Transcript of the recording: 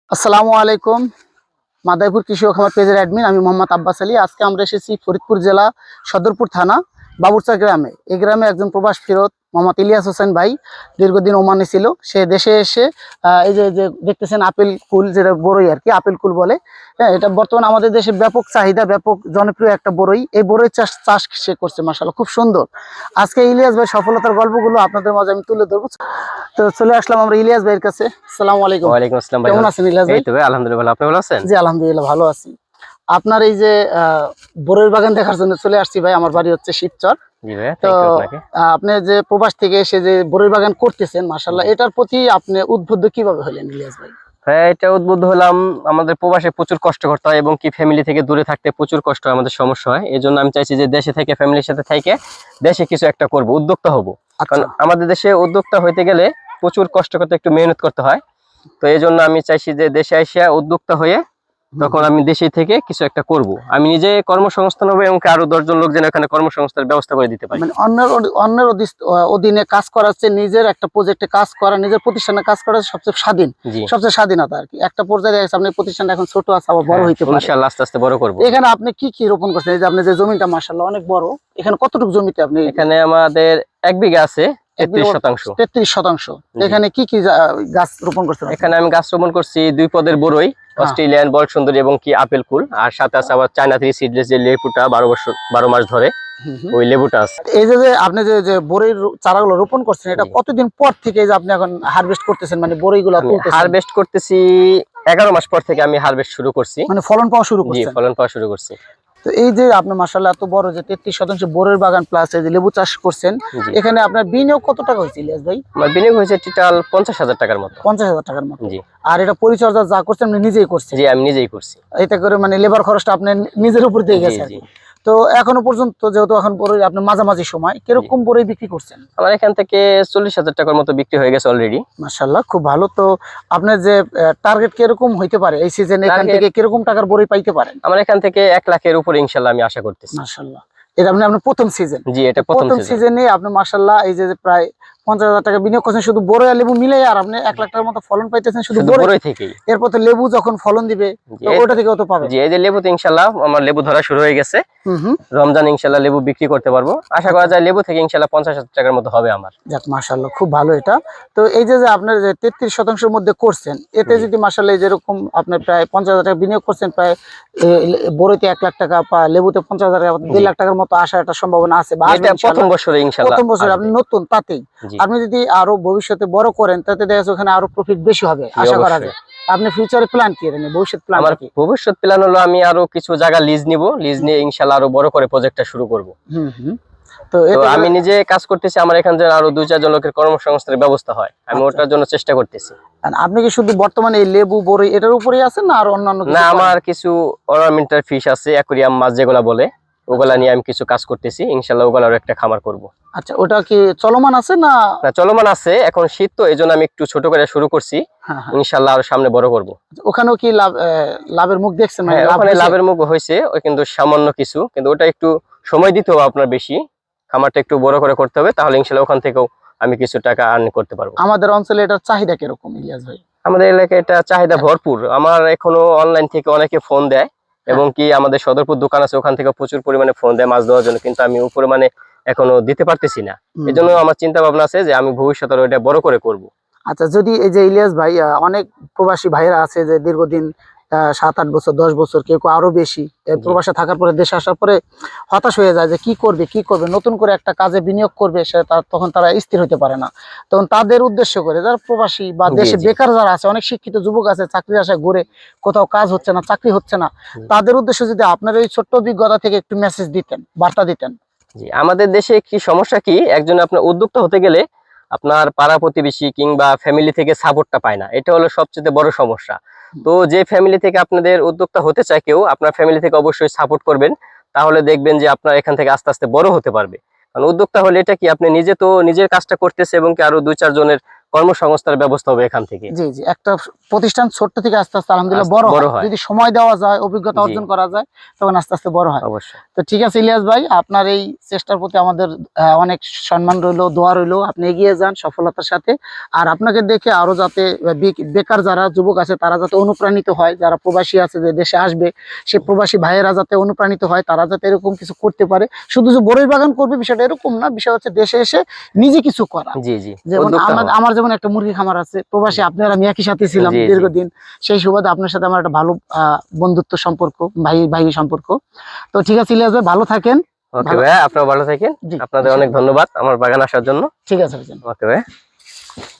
আসসালামু আলাইকুম। মাদারীপুর কৃষি ও খামার পেজের অ্যাডমিন আমি মোহাম্মদ আব্বাস আলী। আজকে আমরা এসেছি ফরিদপুর জেলা সদরপুর থানা বাবুরচা গ্রামে। এই গ্রামে একজন প্রবাস ফেরত মোহাম্মদ ইলিয়াস হোসেন ভাই দীর্ঘদিন ওমানে ছিল। সে দেশে এসে এই যে যে দেখতেছেন আপেল কুল, যেটা বড়ই আর কি আপেল কুল বলে। হ্যাঁ, এটা বর্তমানে আমাদের দেশে ব্যাপক চাহিদা, ব্যাপক জনপ্রিয় একটা বড়ই। এই বড়ই চাষ সে করছে, মাশাআল্লাহ খুব সুন্দর। আজকে ইলিয়াস ভাই সফলতার গল্পগুলো আপনাদের মাঝে আমি তুলে ধরবো। তো চলে আসলাম আমরা ইলিয়াস ভাইয়ের কাছে। আসসালামু আলাইকুম। ওয়ালাইকুম আসসালাম ভাই। কেমন আছেন ইলিয়াস ভাই? এই তো ভাই আলহামদুলিল্লাহ ভালো। আপনি ভালো আছেন? জি আলহামদুলিল্লাহ ভালো আছি। আপনার এই যে বড়ইয়ের বাগান দেখার জন্য চলে আসছি ভাই। আমার বাড়ি হচ্ছে শিবচর। জি ভাই, তো থ্যাংক ইউ আপনাকে। আপনি যে প্রবাস থেকে এসে যে বড়ইয়ের বাগান করতেছেন, মাশাআল্লাহ, এটার প্রতি আপনি উদ্বুদ্ধ কিভাবে হলেন ইলিয়াস ভাই? হ্যাঁ, এটা উদ্বুদ্ধ হলাম। আমাদের প্রবাসে প্রচুর কষ্ট করতে হয় এবং কি ফ্যামিলি থেকে দূরে থাকতে প্রচুর কষ্ট হয়, আমাদের সমস্যা হয়। এই জন্য আমি চাইছি যে দেশে থেকে ফ্যামিলির সাথে থেকে দেশে কিছু একটা করব, উদ্যোক্তা হব। কারণ আমাদের দেশে উদ্যোক্তা হইতে গেলে প্রচুর কষ্ট করতে, একটু মেহনত করতে হয়। তো এই জন্য আমি চাইছি যে দেশে এসে উদ্যোক্তা হয়ে তখন আমি দেশে থেকে কিছু একটা করব। আমি নিজে কর্মসংস্থান হবে এবং আরো 10 জন লোক যেন এখানে কর্মসংস্থানের ব্যবস্থা করে দিতে পারি। মানে অন্যের অধীনে কাজ করা হচ্ছে, নিজের একটা প্রজেক্টে কাজ করা, নিজের প্রতিষ্ঠানে কাজ করা সবচেয়ে স্বাধীন, জি, সবচেয়ে স্বাধীনতা আর কি। একটা পর্যায়ে দেখা যাচ্ছে আপনার প্রতিষ্ঠানটা এখন ছোট আছে, আবার বড় হইতে পারে। ইনশাআল্লাহ আস্তে আস্তে বড় করব। এখানে আপনি কি কি রোপণ করছেন? এই যে আপনি যে জমিটা মাশাআল্লাহ অনেক বড়, এখানে কতটুকু জমিতে আপনি? এখানে আমাদের 1 বিঘা আছে, 33%। 33%। এখানে কি কি গাছ রোপণ করছেন? এখানে আমি গাছ রোপণ করছি 2 পদের বড়ই, অস্ট্রেলিয়ান বল সুন্দরী এবং কি আপেল কুল, আর সাথে আছে আবার চায়না থ্রি সিডলেস যে লেবুটা 12 মাস ধরে ওই লেবুটা আছে। এই যে আপনি যে বড়ির চারাগুলো রোপণ করছেন, এটা কতদিন পর থেকে এই যে আপনি এখন হারভেস্ট করতেছেন, মানে বড়িগুলো তুলতেছেন? হারভেস্ট করতেছি 11 মাস পর থেকে আমি হারভেস্ট শুরু করছি, মানে ফলন পাওয়া শুরু জি করছেন? ফলন পাওয়া শুরু করছি। তো এই যে আপনি মাশাআল্লাহ এত বড় যে 33% বড়ির বাগান প্লাস এই যে লেবু চাষ করছেন, এখানে আপনার বিনিয়োগ কত টাকা হয়েছিল ইলিয়াস ভাই? আমার বিনিয়োগ হয়েছে টোটাল 50,000 টাকার মতো। 50,000 টাকার মতো। জি। আর এটা পরিচর্যা যা করছেন আপনি নিজেই করছেন? জি, আমি নিজেই করছি। এটা করে মানে লেবার খরচটা আপনি নিজের উপর দিয়ে গেছে আর কি। তো এখনো পর্যন্ত যেহেতু এখন বড়ই আপনি মাঝামাঝি সময়, কিরকম বড়ই বিক্রি করছেন? আমার এখান থেকে 40,000 টাকার মতো বিক্রি হয়ে গেছে অলরেডি। মাশাআল্লাহ খুব ভালো। তো আপনার যে টার্গেট কিরকম হইতে পারে এই সিজনে, এখান থেকে কিরকম টাকার বড়ই পাইতে পারেন? আমার এখান থেকে 1 লাখের উপরে ইনশাআল্লাহ আমি আশা করতেছি। মাশাআল্লাহ, এটা আপনার প্রথম সিজন? জি, এটা প্রথম সিজনে আপনি মাশাআল্লাহ এই যে প্রায় 50,000 টাকা বিনিয়োগ করছেন শুধু বড়ই আর লেবু মিলে, আর আপনি 1 লাখ টাকার মতো ফলন পাইতেছেন শুধু বড়ই থেকেই। এরপর তো লেবু যখন ফলন দিবে ওটা থেকেও তো পাবেন। জি, এই যে লেবুতে ইনশাআল্লাহ আমার লেবু ধরা শুরু হয়ে গেছে। রমজান ইনশাআল্লাহ লেবু বিক্রি করতে পারবো, আশা করা যায় লেবু থেকে ইনশাআল্লাহ 50,000 টাকার মতো হবে আমার। যাক মাশাআল্লাহ খুব ভালো এটা। তো এই যে আপনার যে 33% মধ্যে করছেন, এতে যদি মাশাআল্লাহ যেরকম আপনি প্রায় 50,000 টাকা বিনিয়োগ করছেন, প্রায় বড়ইতে 1 লাখ টাকা বা লেবুতে 50,000 টাকা, 2 লাখ টাকার মতো আসার একটা সম্ভাবনা আছে। এটা প্রথম বছরে ইনশাআল্লাহ, প্রথম বছর আপনি নতুন, তাতেই আপনি যদি আরো ভবিষ্যতে বড় করেন তাতে দেখা যাচ্ছে ওখানে আরো প্রফিট বেশি হবে আশা করা যায়। আপনি ফিউচারে প্ল্যান কি? মানে ভবিষ্যৎ প্ল্যান? আমার ভবিষ্যৎ প্ল্যান হলো আমি আরো কিছু জায়গা লিজ নিব, লিজ নিয়ে ইনশাআল্লাহ আরো বড় করে প্রজেক্টটা শুরু করব। তো আমি নিজে কাজ করতেছি, আমার এখানে যেন আরো 2-4 জন লোকের কর্মসংস্থানের ব্যবস্থা হয়, আমি ওটার জন্য চেষ্টা করতেছি। আপনি কি শুধু বর্তমানে এই লেবু বড়ই এটার উপরেই আছেন না আর অন্যান্য কিছু? না, আমার কিছু অর্নামেন্টাল ফিশ আছে, অ্যাকুয়ারিয়াম মাছ যেগুলা বলে, ওগুলা নিয়ে আমি কিছু কাজ করতেছি। ইনশাআল্লাহ ওগুলার একটা খামার করব। আচ্ছা, ওটা কি চলমান আছে না? না, চলমান আছে, এখন শীত তো এইজন্য আমি একটু ছোট করে শুরু করছি। ইনশাআল্লাহ আর সামনে বড় করব। ওখানেও কি লাভের মুখ দেখছেন? মানে ওখানে লাভের মুখ হয়েছে, ওই কিন্তু সামান্য কিছু, কিন্তু ওটা একটু সময় দিতে হবে আপনার বেশি, খামারটা একটু বড় করে করতে হবে, তাহলে ইনশাআল্লাহ ওখান থেকেও আমি কিছু টাকা আর্ন করতে পারবো। আমাদের অঞ্চলে এটার চাহিদা কিরকম ইলিয়াস ভাই? আমাদের এলাকায় এটা চাহিদা ভরপুর। আমার এখনো অনলাইন থেকে অনেকে ফোন দেয় এবং কি আমাদের সদরপুর দোকান আছে, ওখান থেকে প্রচুর পরিমাণে ফোন দেয় মাছ দেওয়ার জন্য, কিন্তু আমি উপরে মানে এখনো দিতে পারতেছি না। এজন্য আমার চিন্তা ভাবনা আছে যে আমি ভবিষ্যতে ওটা বড় করে করব। আচ্ছা, যদি এই যে ইলিয়াস ভাই, অনেক প্রবাসী ভাইরা আছে যে দীর্ঘদিন 7-8 বছর 10 বছর, কেউ আরো বেশি প্রবাসে থাকার পরে দেশে আসার পরে হতাশ হয়ে যায় যে কি করবে, নতুন করে একটা কাজে বিনিয়োগ করবে, সে তখন তারা স্থির হতে পারে না। তখন তাদের উদ্দেশ্য করে যারা প্রবাসী বা দেশে বেকার যারা আছে, অনেক শিক্ষিত যুবক আছে চাকরির আশায় ঘুরে, কোথাও কাজ হচ্ছে না, চাকরি হচ্ছে না, তাদের উদ্দেশ্যে যদি আপনার এই ছোট্ট অভিজ্ঞতা থেকে একটু মেসেজ দিতেন, বার্তা দিতেন। জি, আমাদের দেশে কি সমস্যা কি, একজন আপনার উদ্যোক্তা হতে গেলে আপনার পাড়া প্রতিবেশী কিংবা ফ্যামিলি থেকে সাপোর্টটা পায় না, এটা হলো সবচেয়ে বড় সমস্যা। তো যে ফ্যামিলি থেকে আপনাদের উদ্যোক্তা হতে চায় কেউ, আপনার ফ্যামিলি থেকে অবশ্যই সাপোর্ট করবেন, তাহলে দেখবেন যে আপনার এখান থেকে আস্তে আস্তে বড় হতে পারবে। কারণ উদ্যোক্তা হলে এটা কি, আপনি নিজে তো নিজের কাজটা করতেছে এবং কি আরো 2-4 জনের কর্মসংস্থানের ব্যবস্থা হবে এখান থেকে। জি জি, একটা প্রতিষ্ঠান ছোট্ট থেকে আস্তে আস্তে আলহামদুলিল্লাহ আস্তে বড় বড় হয়, হয়। যদি সময় দেওয়া যায়, অভিজ্ঞতা জি। অর্জন করা যায়, তখন আস্তে আস্তে বড় হয়। অবশ্যই। তো ঠিক আছে ইলিয়াস ভাই, আপনার এই চেষ্টার প্রতি আমাদের অনেক সম্মান রইলো, দোয়া রইলো, আপনি এগিয়ে যান সফলতার সাথে। আর আপনাকে দেখে আরো যাতে বেকার যারা যুবক আছে তারা যাতে অনুপ্রাণিত হয়, যারা প্রবাসী আছে যে দেশে আসবে, সে প্রবাসী ভাইয়েরা যাতে অনুপ্রাণিত হয়, তারা যাতে এরকম কিছু করতে পারে। শুধু যে বড়ই বাগান করবে বিষয়টা এরকম না, বিষয় হচ্ছে দেশে এসে নিজে কিছু করা। জি জি, যেমন উদ্যোক্তা হওয়া। আমার যেমন একটা মুরগি খামার আছে, প্রবাসী আপনার আমি একই সাথে ছিলাম জি, জি। দীর্ঘদিন, সেই সুবাদে আপনার সাথে আমার একটা ভালো বন্ধুত্ব সম্পর্ক, ভাই ভাই সম্পর্ক। তো ঠিক আছে ইলিয়াস ভাই, ভালো থাকেন। ওকে ভাই, আপনারা ভালো থাকেন। জি, আপনাদের অনেক ধন্যবাদ আমার বাগান আসার জন্য। ঠিক আছে ভাইজান। ওকে ভাই।